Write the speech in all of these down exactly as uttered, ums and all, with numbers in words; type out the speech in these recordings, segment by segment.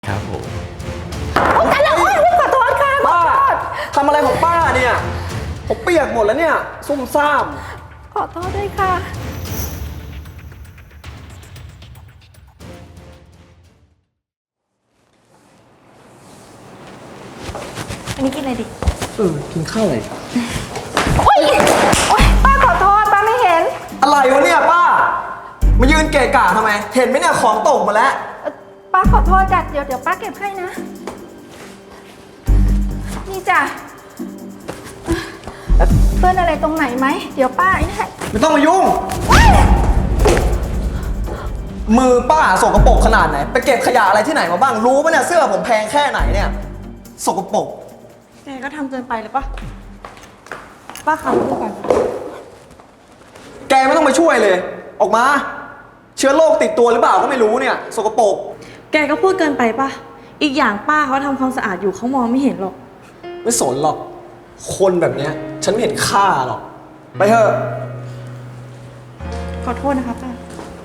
ครับผมกันแล้วขอโทษค่ะป้าทำอะไรของป้าเนี่ยผมเปียกหมดแล้วเนี่ยซุ่มซ่ามขอโทษด้วยค่ะอันนี้กินอะไรดิเออกินข้าวอะไรโอ๊ยโอ๊ยป้าขอโทษป้าไม่เห็นอะไรวะเนี่ยป้ามายืนเกะกะทำไมเห็นไหมเนี่ยของตกมาแล้วป้าขอโทษจ้ะเดี๋ยวเดี๋ยวป้าเก็บให้นะนี่จ้ะเปื้อนอะไรตรงไหนไหมเดี๋ยวป้าไอ้นี่ให้ไม่ต้องมายุ่งมือป้าสกปรกขนาดไหนไปเก็บขยะอะไรที่ไหนมาบ้างรู้ปะเนี่ยเสื้อผมแพงแค่ไหนเนี่ยสกปรกแกก็ทำเกินไปเลยปะป้าขับดูก่อนแกไม่ต้องมาช่วยเลยออกมาเชื้อโรคติดตัวหรือเปล่าก็ไม่รู้เนี่ยสกปรกแกก็พูดเกินไปปะอีกอย่างป้าเขาทำความสะอาดอยู่เขามองไม่เห็นหรอกไม่สนหรอกคนแบบเนี้ยฉันไม่เห็นค่าหรอกไปเถอะขอโทษนะคะป้า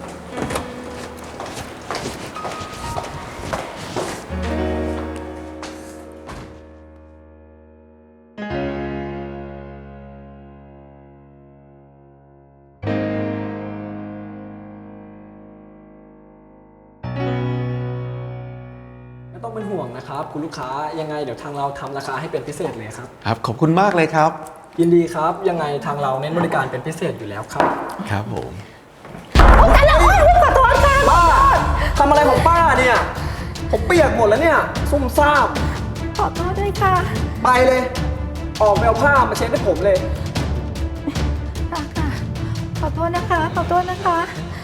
ไม่ต้องเป็นห่วงนะครับคุณลูกค้ายังไงเดี๋ยวทางเราทำราคาให้เป็นพิเศษเลยครับครับขอบคุณมากเลยครับยินดีครับยังไงทางเราเน้นบริการเป็นพิเศษอยู่แล้วครับครับผมกันแล้วขอโทษค่ะป้าทำอะไรของป้าเนี่ยผมเปียกหมดแล้วเนี่ยซุ่มซ่ามขอโทษด้วยค่ะไปเลยออกไปเอาผ้ามาเช็ดให้ผมเลยค่ะค่ะขอโทษนะคะขอโทษนะคะ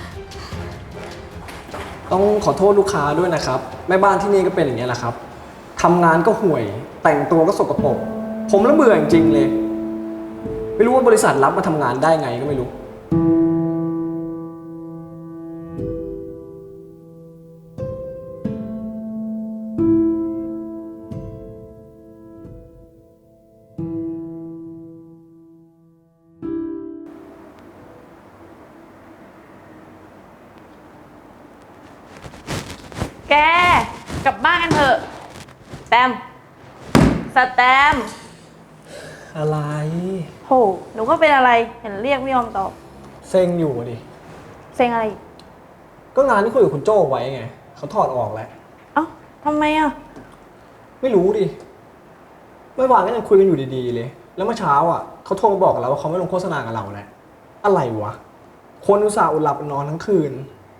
ต้องขอโทษลูกค้าด้วยนะครับแม่บ้านที่นี่ก็เป็นอย่างนี้แหละครับทำงานก็ห่วยแต่งตัวก็สกปรกผมละเบื่อจริงๆเลยไม่รู้ว่าบริษัทรับมาทำงานได้ไงก็ไม่รู้แกกลับบ้านกันเถอะสแตมสแตมอะไรโหหนูก็เป็นอะไรเห็นเรียกไม่ยอมตอบเซ็งอยู่ดิเซ็งอะไรก็งานที่คุยกับคุณโจ้ไว้ไงเขาถอดออกแล้วเอ้าทำไมอ่ะไม่รู้ดิเมื่อวานก็ยังคุยกันอยู่ดีๆเลยแล้วเมื่อเช้าอ่ะเขาโทรมาบอกเราว่าเขาไม่ลงโฆษณากับเราแล้วอะไรวะคนอุตส่าห์อดหลับอดนอนทั้งคืน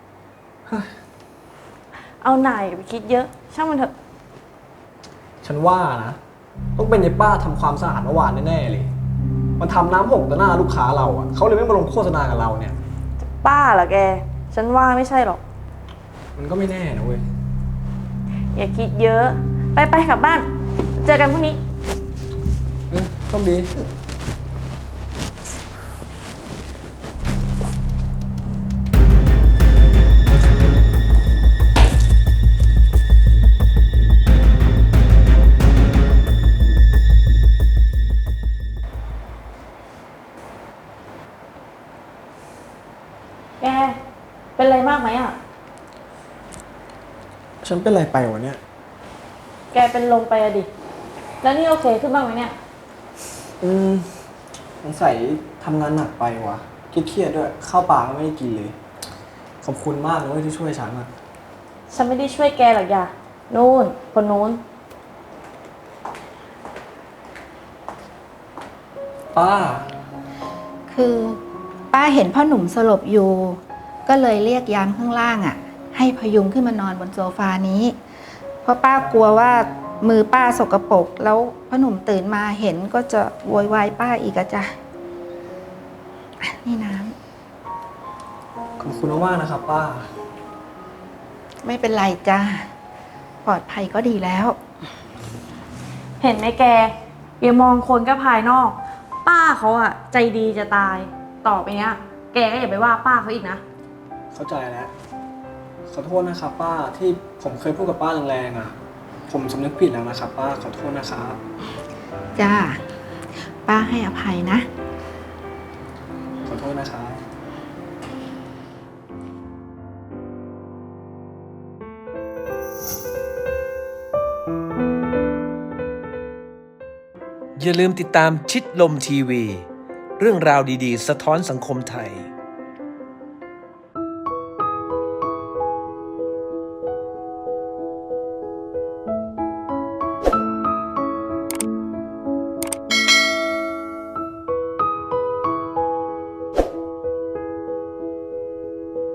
เอาหน่ายไปคิดเยอะช่างมันเถอะฉันว่านะต้องเป็นยายป้าทำความสะอาดเมื่อวานแน่ๆเลยมันทำน้ำหกต่อหน้าลูกค้าเราอ่ะเขาเลยไม่มาลงโฆษณากับเราเนี่ยป้าเหรอแกฉันว่าไม่ใช่หรอกมันก็ไม่แน่นะเว้ยอย่าคิดเยอะไปไปกลับบ้านเจอกันพรุ่งนี้เออต้องดีแกเป็นอะไรมากไหมอ่ะฉันเป็นอะไรไปวะเนี่ยแกเป็นลมไปอะดิแล้วนี่โอเคขึ้นบ้างไหมเนี่ยอืมสงสัยทำงานหนักไปวะเครียดๆด้วยข้าวปลาก็ไม่ได้กินเลยขอบคุณมากเลยที่ช่วยฉันอ่ะฉันไม่ได้ช่วยแกหรอกอย่านู่นคนนู้นป้าคือป้าเห็นพ่อหนุ่มสลบอยู่ก็เลยเรียกยามข้างล่างอ่ะให้พยุงขึ้นมานอนบนโซฟานี้เพราะป้ากลัวว่ามือป้าสกปรกแล้วพ่อหนุ่มตื่นมาเห็นก็จะโวยวายป้าอีกอะจ้ะนี่น้ำขอบคุณมากนะครับป้าไม่เป็นไรจ้ะปลอดภัยก็ดีแล้วเห็นไหมแกอย่ามองคนก็ภายนอกป้าเขาอะใจดีจะตายต่อไปเนี้ยแกก็อย่าไปว่าป้าเขาอีกนะเข้าใจแล้วขอโทษนะครับป้าที่ผมเคยพูดกับป้าแรงๆอ่ะผมสำนึกผิดแล้วนะครับป้าขอโทษนะครับจ้าป้าให้อภัยนะขอโทษนะครับอย่าลืมติดตามชิดลมทีวี เรื่องราวดีๆ สะท้อนสังคมไทย